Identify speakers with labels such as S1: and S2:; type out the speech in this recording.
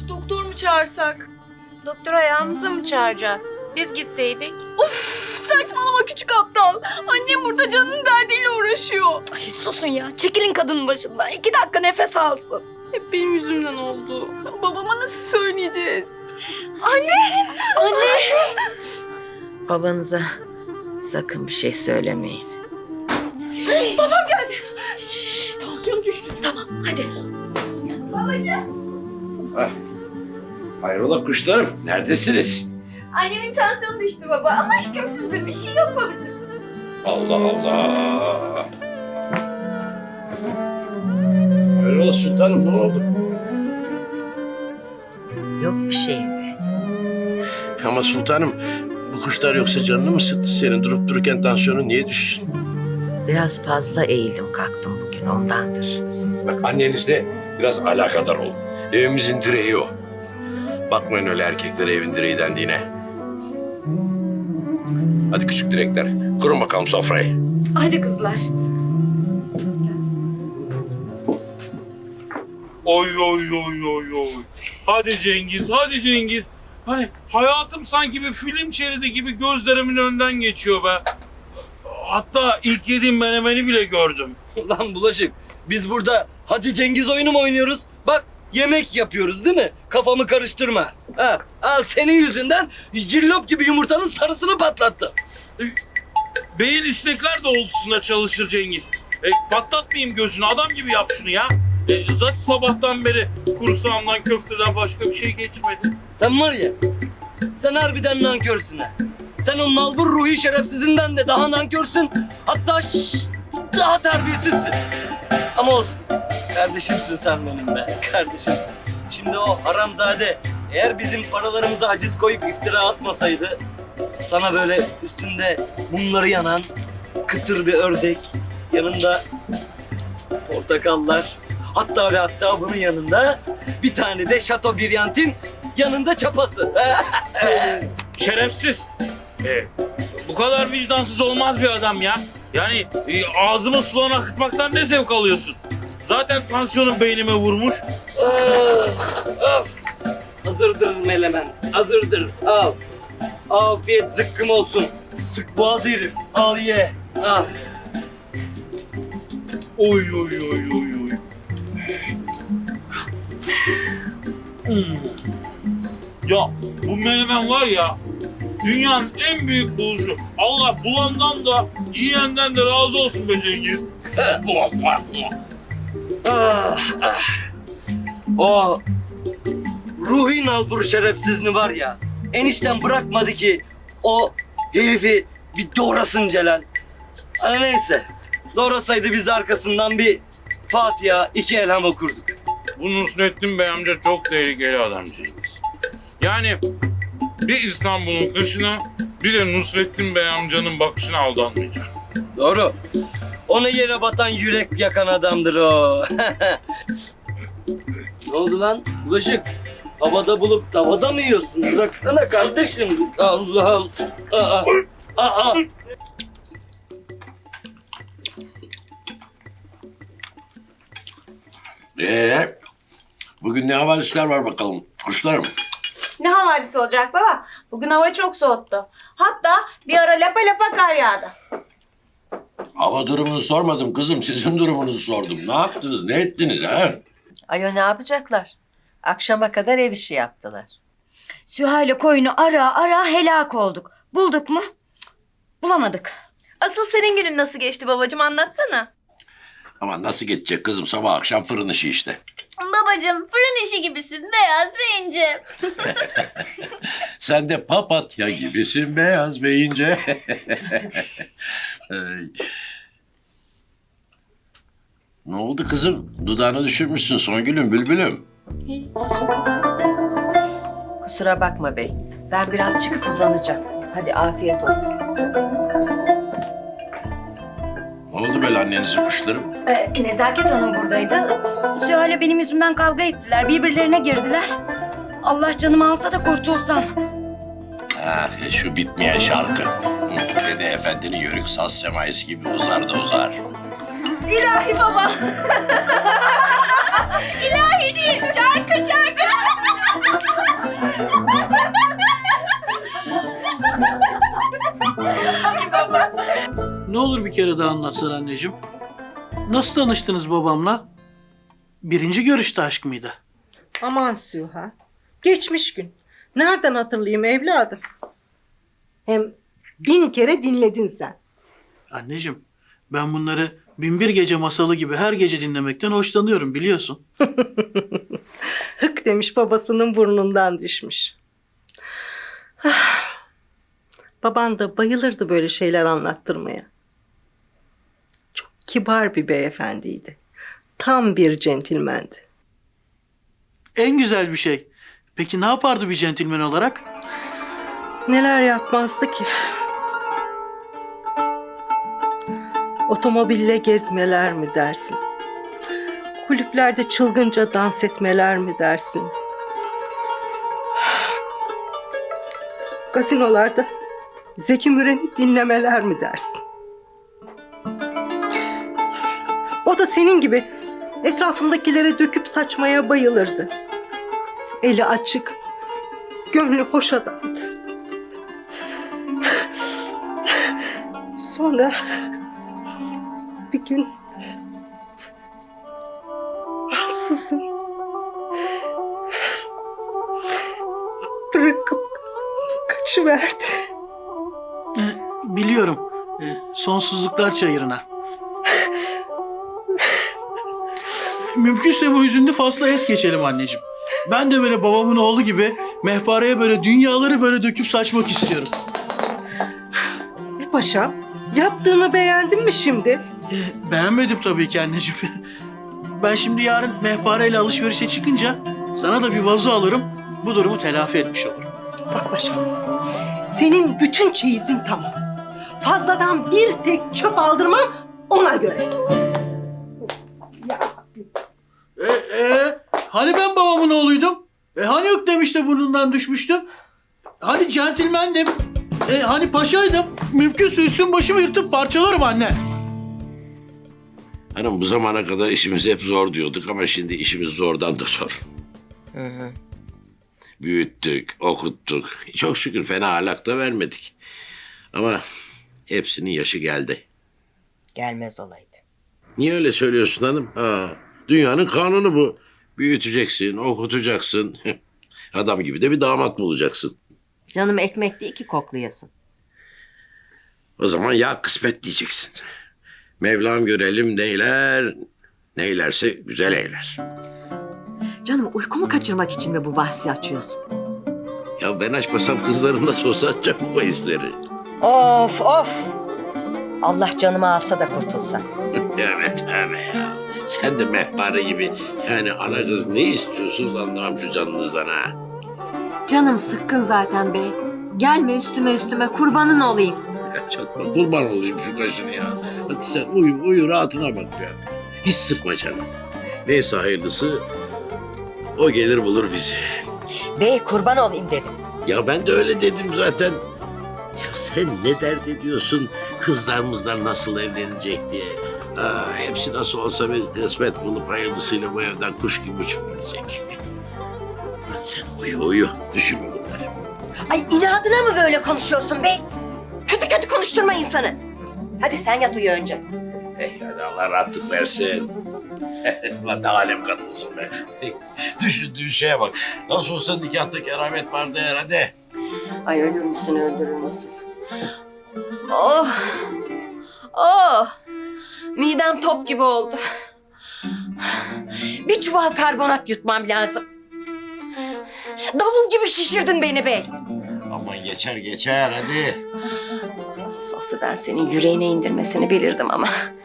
S1: doktor mu çağırsak?
S2: Doktor ayağımıza mı çağıracağız? Biz gitseydik.
S1: Of, saçmalama küçük aptal. Annem burada canının derdiyle uğraşıyor.
S2: Ay susun ya. Çekilin kadının başından. 2 dakika nefes alsın.
S1: Hep benim yüzümden oldu. Babama nasıl söyleyeceğiz?
S2: Anne!
S3: Babanıza sakın bir şey söylemeyin.
S2: Babam geldi.
S1: Tansiyon düştü.
S2: Tamam hadi.
S4: Hayrola kuşlarım, neredesiniz?
S2: Annemin tansiyonu düştü baba ama hükümsüzdür. Bir şey yok babacığım.
S4: Allah Allah! Hayrola sultanım, ne oldu?
S3: Yok bir şey be.
S4: Ama sultanım, bu kuşlar yoksa canını mı sıktı senin? Durup dururken tansiyonun niye düşsün?
S3: Biraz fazla eğildim kalktım bugün ondandır.
S4: Bak annenizle biraz alakadar olun. Evimizin direği o. Bakmayın öyle erkeklere evin direği dendiğine. Hadi küçük direkler, kurun bakalım sofrayı.
S2: Hadi kızlar.
S5: Oy oy oy oy oy. Hadi Cengiz, hadi Cengiz. Hani hayatım sanki bir film şeridi gibi gözlerimin önünden geçiyor be. Hatta ilk yediğim menemeni bile gördüm.
S6: Lan Bulaşık, biz burada hadi Cengiz oyunu mu oynuyoruz? Bak yemek yapıyoruz değil mi? Kafamı karıştırma. Ha, al senin yüzünden cillop gibi yumurtanın sarısını patlattı.
S5: Beyin istekler doğrultusunda çalışır Cengiz. Patlatmayayım gözünü, adam gibi yap şunu ya. Zaten sabahtan beri kursağımdan köfteden başka bir şey geçmedi.
S6: Sen var ya, sen harbiden nankörsün ha. Sen o nalbur ruhi şerefsizinden de daha nankörsün. Hatta daha terbiyesizsin. Ama olsun. Kardeşimsin sen benim be. Kardeşimsin. Şimdi o haramzade eğer bizim paralarımıza haciz koyup iftira atmasaydı sana böyle üstünde mumları yanan kıtır bir ördek, yanında portakallar, hatta ve hatta bunun yanında bir tane de Chateaubriand'in yanında çapası.
S5: Şerefsiz. Bu kadar vicdansız olmaz bir adam ya. Yani ağzımı sulan akıtmaktan ne zevk alıyorsun? Zaten tansiyonum beynime vurmuş.
S6: Of. Hazırdır melemen. Hazırdır. Al. Afiyet zıkkım olsun. Sık boğaz herif. Al ye. Al.
S5: Oy oy oy oy oy. Ya bu menemen var ya, dünyanın en büyük buluşu. Allah bulandan da yiyenden de razı olsun be Cengiz.
S6: Ah, ah. O ruhi nalbur şerefsizini var ya, enişten bırakmadı ki o herifi bir doğrasın Celal. Hani neyse, doğrasaydı biz de arkasından bir Fatiha, 2 elham okurduk.
S5: Bu Nusrettin Bey amca çok tehlikeli adam Cengiz. Yani bir İstanbul'un kışına bir de Nusrettin Bey amcanın bakışına aldanmayacağım.
S6: Doğru. Ona yere batan yürek yakan adamdır o. Ne oldu lan? Bulaşık. Havada bulup tavada mı yiyorsun? Bıraksana kardeşim. Allah'ım. Aa. Aa.
S4: Bugün ne havadisler var bakalım kuşlarım?
S2: Ne havadisi olacak baba? Bugün hava çok soğuttu. Hatta bir ara lapa lapa kar yağdı.
S4: Hava durumunu sormadım kızım, sizin durumunuzu sordum. Ne yaptınız, ne ettiniz ha?
S3: Ayo ne yapacaklar? Akşama kadar ev işi yaptılar.
S7: Süheyl koyunu ara ara helak olduk. Bulduk mu? Bulamadık.
S2: Asıl senin günün nasıl geçti babacığım, anlatsana.
S4: Ama nasıl geçecek kızım, sabah akşam fırın işi işte.
S8: Babacığım fırın işi gibisin, beyaz ve ince.
S4: Sen de papatya gibisin, beyaz ve ince. Ay. Ne oldu kızım? Dudağını düşürmüşsün Songül'üm, bülbülüm.
S3: Kusura bakma bey. Ben biraz çıkıp uzanacağım. Hadi afiyet olsun.
S4: Ne oldu böyle annenizin kuşlarım?
S7: Nezaket Hanım buradaydı. Süheyl benim yüzümden kavga ettiler. Birbirlerine girdiler. Allah canımı alsa da kurtulsam.
S4: Ah, şu bitmeyen şarkı. Dede Efendi'nin yörük saz semaisi gibi uzar da uzar.
S2: İlahi baba.
S8: İlahi değil, şarkı.
S9: Ne olur bir kere daha anlatsan anneciğim. Nasıl tanıştınız babamla? Birinci görüşte aşk mıydı?
S10: Aman Süha. Geçmiş gün. Nereden hatırlayayım evladım? Hem 1000 kere dinledin sen.
S9: Anneciğim, ben bunları Binbir Gece masalı gibi her gece dinlemekten hoşlanıyorum biliyorsun.
S10: Hık demiş babasının burnundan düşmüş. Ah, baban da bayılırdı böyle şeyler anlattırmaya. Çok kibar bir beyefendiydi. Tam bir centilmendi.
S9: En güzel bir şey. Peki ne yapardı bir centilmen olarak?
S10: Neler yapmazdı ki? Otomobille gezmeler mi dersin? Kulüplerde çılgınca dans etmeler mi dersin? Gazinolarda Zeki Müren'i dinlemeler mi dersin? O da senin gibi etrafındakilere döküp saçmaya bayılırdı. Eli açık, gönlü hoş adamdı. Sonra bir gün ansızın bırakıp kaçıverdi.
S9: Biliyorum. Sonsuzluklar çayırına. Mümkünse bu hüzünlü fasla es geçelim anneciğim. Ben de böyle babamın oğlu gibi mehpareye böyle dünyaları böyle döküp saçmak istiyorum.
S10: Paşam, yaptığını beğendin mi şimdi?
S9: Beğenmedim tabii ki anneciğim. Ben şimdi yarın mehpareyle alışverişe çıkınca sana da bir vazo alırım. Bu durumu telafi etmiş olurum.
S10: Bak paşam, senin bütün çeyizin tamam. Fazladan bir tek çöp aldırmam ona göre. Ya.
S9: Hani ben babamın oğluydum? Hani yok demişti burnundan düşmüştüm? Hani centilmendim? Hani paşaydım? Mümkünse üstüm başımı yırtıp parçalarım anne.
S4: Hanım bu zamana kadar işimiz hep zor diyorduk ama şimdi işimiz zordan da zor. Büyüttük, okuttuk. Çok şükür fena ahlak da vermedik. Ama hepsinin yaşı geldi.
S3: Gelmez olaydı.
S4: Niye öyle söylüyorsun hanım? Dünyanın kanunu bu. Büyüteceksin, okutacaksın. Adam gibi de bir damat bulacaksın.
S3: Canım ekmek değil ki koklayasın.
S4: O zaman ya kısmet diyeceksin. Mevlam görelim neyler, neylerse güzel eyler.
S3: Canım uykumu kaçırmak için mi bu bahsi açıyorsun?
S4: Ya ben açmasam kızlarım nasıl olsa açacak bu bahisleri.
S3: Of of! Allah canımı alsa da kurtulsa.
S4: Evet ya. Sen de mehpare gibi. Yani ana kız ne istiyorsunuz anlamam şu canınızdan ha.
S3: Canım sıkkın zaten bey. Gelme üstüme kurbanın olayım.
S4: Ya çatma kurban olayım şu kaşını ya. Hadi sen uyu rahatına bak ya. Hiç sıkma canım. Neyse hayırlısı o gelir bulur bizi.
S3: Bey kurban olayım dedim.
S4: Ya ben de öyle dedim zaten. Ya sen ne dert ediyorsun kızlarımızdan nasıl evlenecek diye. Hepsi nasıl olsa bir kısmet bulup hayırlısıyla bu evden kuş gibi uçup gidecek. Hadi sen uyu. Düşünme bunları.
S3: Ay inadına mı böyle konuşuyorsun bey? Kötü konuşturma insanı. Hadi sen yat uyu önce.
S4: Hadi Allah rahatlık versin. Lan ne alem kadınsın be. Düşündüğün şeye bak. Nasıl olsa nikahta keramet vardı herhalde.
S3: Ay ölür müsün öldürür müsün? Oh! Midem top gibi oldu. Bir çuval karbonat yutmam lazım. Davul gibi şişirdin beni bey.
S4: Aman geçer hadi.
S3: Nasıl ben senin yüreğine indirmesini bilirdim ama.